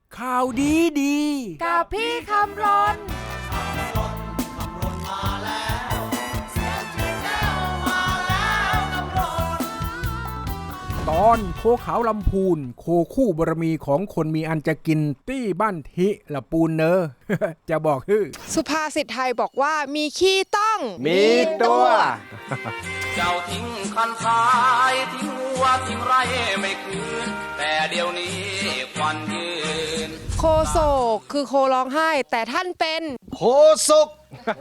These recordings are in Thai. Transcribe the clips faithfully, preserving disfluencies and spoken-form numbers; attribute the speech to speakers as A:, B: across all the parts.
A: ข่าวดีดี
B: กับพี่คำรน
A: ตอนโคขาวลำพูนโคคู่บารมีของคนมีอันจะกินตี้บ้านทิละปูนเนอ จะบอกฮือ
B: สุภาษิตไทยบอกว่ามีขี้ต้อง
A: มีตัว
C: เจ้าทิ้งคันซ้ายทิ้งวัวทิ้งไรไม่คืนแต่เดี๋ยวนี้ควันยืน
B: โคโศกคือโคร้องไห้แต่ท่านเป็น
D: โคศก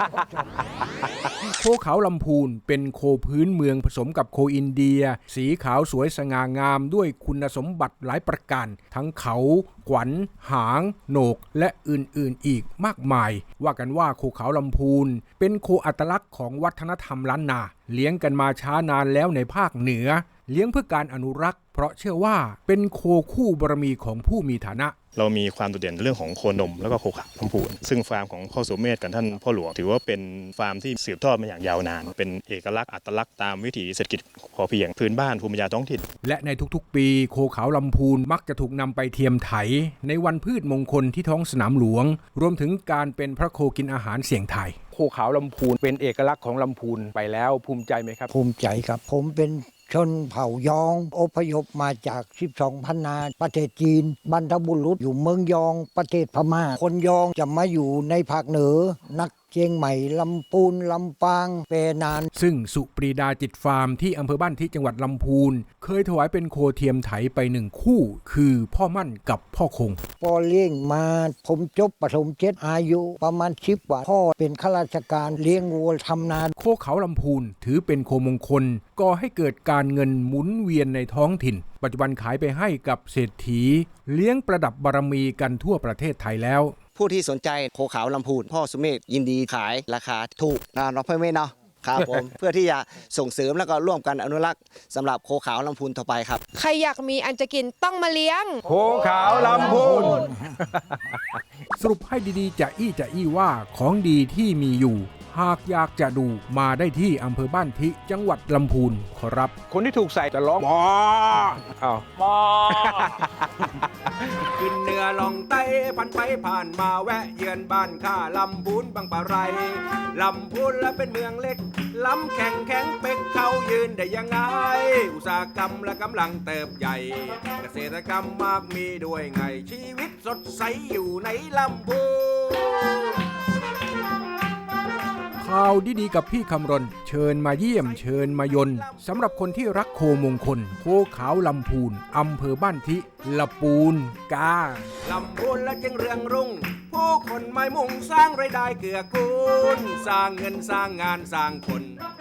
A: โคขาวลำพูนเป็นโคพื้นเมืองผสมกับโคอินเดียสีขาวสวยสง่างามด้วยคุณสมบัติหลายประการทั้งเขาขวัญหางโหนกและอื่นๆอีกมากมายว่ากันว่าโคขาวลำพูนเป็นโคอัตลักษณ์ของวัฒนธรรมล้านนาเลี้ยงกันมาช้านานแล้วในภาคเหนือเลี้ยงเพื่อการอนุรักษ์เพราะเชื่อว่าเป็นโคคู่บารมีของผู้มีฐานะ
E: เรามีความโดดเด่นเรื่องของโคนมแล้วก็โคขาวลำพูนซึ่งฟาร์มของพ่อสุเมธกับท่านพ่อหลวงถือว่าเป็นฟาร์มที่สืบทอดมาอย่างยาวนานเป็นเอกลักษณ์อัตลักษณ์ตามวิถีเศรษฐกิจพอเพียงพื้นบ้านภูมิปัญญาท้องถิ่น
A: และในทุกๆปีโคขาวลำพูนมักจะถูกนำไปเทียมไถในวันพืชมงคลที่ท้องสนามหลวงรวมถึงการเป็นพระโคกินอาหารเสี่ยงไทยโคขาวลำพูนเป็นเอกลักษณ์ของลำพูนไปแล้วภูมิใจไหมครับ
F: ภูมิใจครับผมเป็นชนเผ่ายองอพยพมาจากสิบสองพันนาประเทศจีนบรรพบุรุษอยู่เมืองยองประเทศพม่าคนยองจะมาอยู่ในภาคเหนือนักเชียงใหม่ลำปูนลำปางเปนาน
A: ซึ่งสุปรีดาจิตฟาร์มที่อำเภอบ้านที่จังหวัดลำพูนเคยถวายเป็นโคเทียมไถไปหนึ่งคู่คือพ่อมั่นกับพ่อคง
F: พอเลี้ยงมาผมจบประถมเจ็ดอายุประมาณสิบกว่าพ่อเป็นข้าราชการเลี้ยงวัวทำนา
A: โคเขาลำพูนถือเป็นโคมงคลก่อให้เกิดการเงินหมุนเวียนในท้องถิ่นปัจจุบันขายไปให้กับเศรษฐีเลี้ยงประดับบารมีกันทั่วประเทศไทยแล้ว
D: ผู้ที่สนใจโคขาวลำพูนพ่อสุเมธยินดีขายราคาถูกนะน้องพ่อเมธเนาะครับผม เพื่อที่จะส่งเสริมแล้วก็ร่วมกันอนุรักษ์สำหรับโคขาวลำพูนต่อไปครับ
B: ใครอยากมีอันจะกินต้องมาเลี้ยง
A: โคขาวลำพูน สรุปให้ดีๆจะอี้จะอี้ว่าของดีที่มีอยู่หากอยากจะดูมาได้ที่อำเภอบ้านทิจังหวัดลำพูนขอรับคนที่ถูกใส่จะร้องมออ้าวมอกินเนื้อลองไต้พันไปผ่านมาแวะเยือนบ้านข้าลำพูนบางปะไรลำพูนและเป็นเมืองเล็กลำแข็งแข็งเป็กเขายืนได้ยังไงอุตสาหกรรมและกำลังเติบใหญ่เกษตรกรรมมากมีด้วยไงชีวิตสดใสอยู่ในลำพูนข่าวดีๆกับพี่คำรณเชิญมาเยี่ยมเชิญมายนสำหรับคนที่รักโคมงคลโคขาวลำพูนอำเภอบ้านทิละปูนกาลำพูนและจึงเรืองรุ่งผู้คนไม่มุ่งสร้างรายได้เกื้อกูลสร้างเงินสร้างงานสร้างคน